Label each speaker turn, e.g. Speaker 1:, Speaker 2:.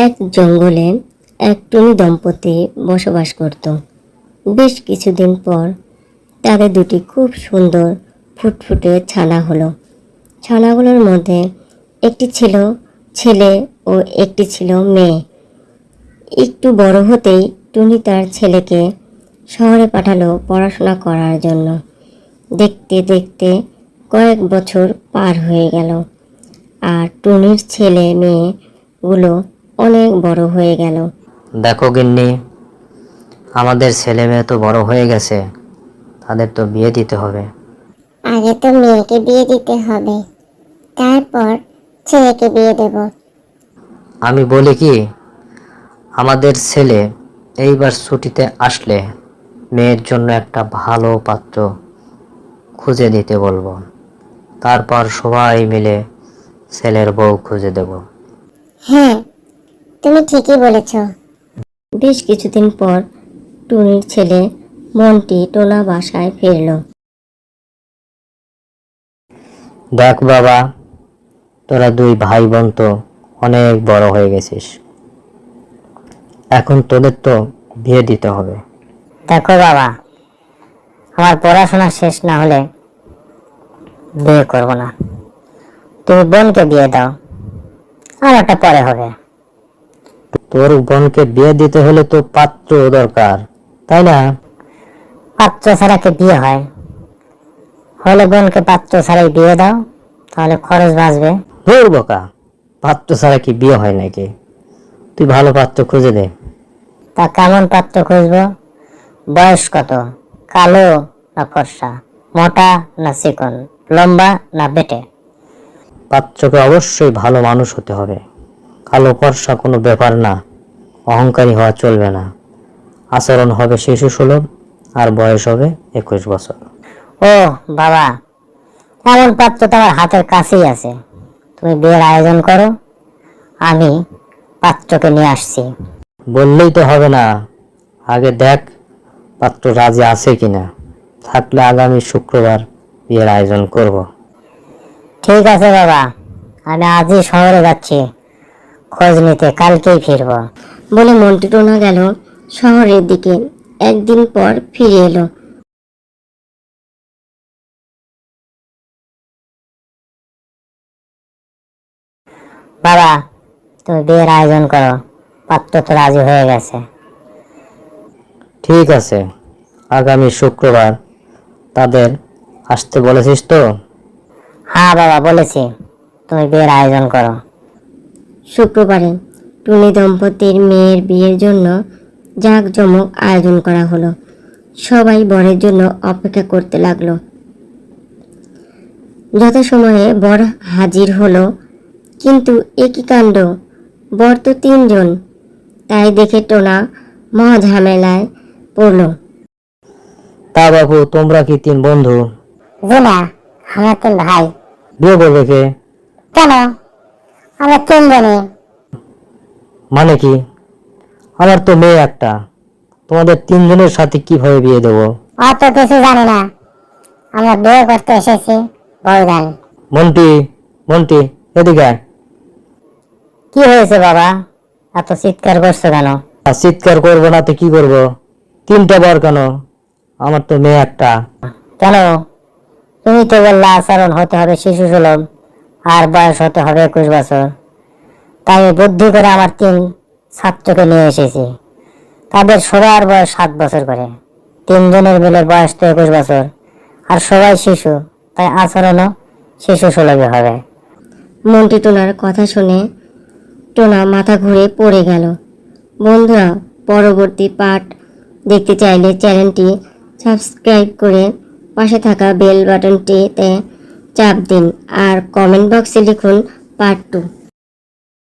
Speaker 1: এক জঙ্গলে এক টুনি দম্পতি বসবাস করত। বেশ কিছুদিন পর তাদের দুটি খুব সুন্দর ফুটফুটে ছানা হলো। ছানাগুলোর মধ্যে একটি ছিল ছেলে ও একটি ছিল মেয়ে। একটু বড় হতেই টুনি তার ছেলেকে শহরে পাঠালো পড়াশোনা করার জন্য। দেখতে দেখতে কয়েক বছর পার হয়ে গেল, আর টুনির ছেলে মেয়েগুলো অনেক বড় হয়ে গেল।
Speaker 2: দেখো গিন্নি, আমাদের ছেলে মেয়ে তো বড় হয়ে গেছে, তাদের তো বিয়ে দিতে হবে।
Speaker 3: আগে তো মেয়েকে বিয়ে দিতে হবে, তারপর ছেলেকে বিয়ে দেব।
Speaker 2: আমি বলি কি, আমাদের ছেলে এইবার ছুটিতে আসলে মেয়ের জন্য একটা ভালো পাত্র খুঁজে দিতে বলবো, তারপর সবাই মিলে ছেলের বউ খুঁজে দেব।
Speaker 3: হ্যাঁ, তুমি ঠিকই বলেছ।
Speaker 1: বেশ কিছুদিন পর টুনির ছেলে মন্টি টোনা বাসায় ফিরল।
Speaker 2: দেখ বাবা, তোরা দুই ভাই বোন তো অনেক বড় হয়ে গেছিস, এখন তোদের তো বিয়ে দিতে হবে।
Speaker 4: দেখো বাবা, আমার পড়াশোনা শেষ না হলে বিয়ে করব না। তুমি বোনকে বিয়ে দাও, আর একটা পরে হবে।
Speaker 2: তোর বোনকে বিয়ে দিতে হলে তো পাত্র দরকার, তাই না?
Speaker 4: পাত্র ছাড়া কি বিয়ে হয়? হলে বোনকে পাত্র ছাড়াই বিয়ে দাও, তাহলে খরচ বাঁচবে।
Speaker 2: ধুর বোকা, পাত্র ছাড়া কি বিয়ে হয় নাকি? তুই ভালো পাত্র খুঁজে দে।
Speaker 4: তা কেমন পাত্র খুঁজবো? বয়স কত? কালো না ফর্সা? মোটা না চিকন? লম্বা না বেটে?
Speaker 2: পাত্রকে অবশ্যই ভালো মানুষ হতে হবে। কালো ফর্সা কোনো ব্যাপার না, অহংকারী হওয়া চলবে না। আচরণ হবে শিশু সুলভ, আর বয়স হবে 21 বছর।
Speaker 4: ও বাবা, এমন পাত্র তো আমার হাতের কাছেই আছে। তুমি বিয়ের আয়োজন করো, আমি পাত্রকে নিয়ে আসছি।
Speaker 2: বললেই তো হবে না, আগে দেখ পাত্র রাজি আছে কিনা। থাকলে আগামী শুক্রবার বিয়ের আয়োজন করব।
Speaker 4: ঠিক আছে বাবা, আমি আজই শহরে যাচ্ছি খোঁজ নিতে, কালকেই ফিরবো।
Speaker 1: বলে মন্টি টোনা গেল শহরের দিকে। একদিন পর ফিরে এলো।
Speaker 4: বাবা, তুমি বিয়ের আয়োজন করো, পাত্র তো রাজি হয়ে গেছে।
Speaker 2: ঠিক আছে, আগামী শুক্রবার তাদের আসতে বলেছিস তো?
Speaker 4: হ্যাঁ বাবা, বলেছি, তুমি বিয়ের আয়োজন করো।
Speaker 1: শুক্রবারে টুনি দম্পতির মেয়ের বিয়ের জন্য জাঁকজমক আয়োজন করা হলো। সবাই বরের জন্য অপেক্ষা করতে লাগলো। যথাসময়ে বর হাজির হলো, কিন্তু একই কাণ্ড, বর তো 3 জন। তাই দেখে টোনা মহা ঝামেলায় পড়ল।
Speaker 2: তা বাবু, তোমরা কি 3 বন্ধু?
Speaker 4: জি না, আমরা 3 ভাই।
Speaker 2: বিয়ে করবে কে?
Speaker 4: কেন? আমরা 3 জনই।
Speaker 2: মানে কি? আমার তো মেয়ে একটা, তোমাদের 3 জনের সাথে কিভাবে বিয়ে দেবো?
Speaker 4: অত কিছু জানি না, আমরা বিয়ে করতে এসেছি বউদান।
Speaker 2: মন্টি, মন্টি, এদিকে আয়।
Speaker 4: কি হয়েছে বাবা, এত চিৎকার করছো কেন?
Speaker 2: আর চিৎকার করবো না তো কি করবো? 3টা বর কেন? আমার তো মেয়ে একটা।
Speaker 4: কেন? তুমি তো বললে আচরণ হতে হবে শিশু সুলভ, আর বয়স হতে হবে 21 বছর। তাই আমি বুদ্ধি করে আমার 3 ছাত্রকে নিয়ে এসেছি। তাদের সবার বয়স 7 বছর করে। 3 জনের মিলে বয়স তো 21 বছর, আর সবাই শিশু, তাই আচরণও শিশু সুলভই হবে।
Speaker 1: মন্টি টোনার কথা শুনে টোনা মাথা ঘুরে পড়ে গেল। বন্ধুরা, পরবর্তী পার্ট দেখতে চাইলে চ্যানেলটি সাবস্ক্রাইব করে পাশে থাকা বেল বাটনটিতে চাপ দিন, আর কমেন্ট বক্সে লিখুন পার্ট 2।